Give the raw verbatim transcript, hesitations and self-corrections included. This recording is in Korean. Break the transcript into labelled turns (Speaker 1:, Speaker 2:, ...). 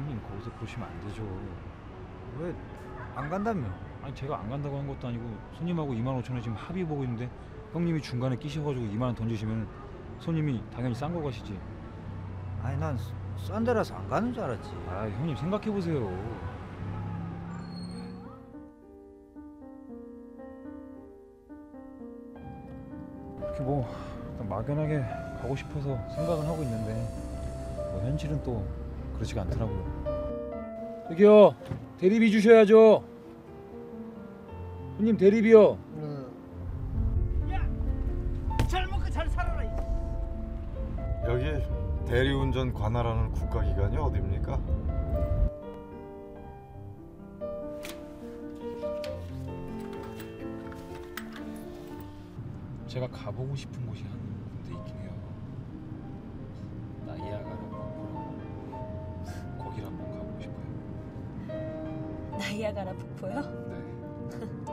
Speaker 1: 형님 거기서 그러시면 안 되죠.
Speaker 2: 왜 안 간다며?
Speaker 1: 아니 제가 안 간다고 한 것도 아니고 손님하고 이만 오천 원 지금 합의 보고 있는데 형님이 중간에 끼셔가지고 이만 원 던지시면 손님이 당연히 싼 거 가시지.
Speaker 2: 아니 난 싼 데라서 안 가는 줄 알았지.
Speaker 1: 아 형님 생각해 보세요. 이렇게 뭐 일단 막연하게 가고 싶어서 생각은 하고 있는데 뭐 현실은 또 그렇지가 않더라고요. 저기요 대리비 주셔야죠. 손님 대리비요.
Speaker 3: 잘 먹고 잘 살아라.
Speaker 4: 여기 대리운전 관할하는 국가기관이 어디입니까?
Speaker 1: 제가 가보고 싶은 곳이 한 군데 있긴 해요. 나이아가라 폭포라고. 거기를 한번 가보고 싶어요.
Speaker 5: 나이아가라 폭포요?
Speaker 1: 네.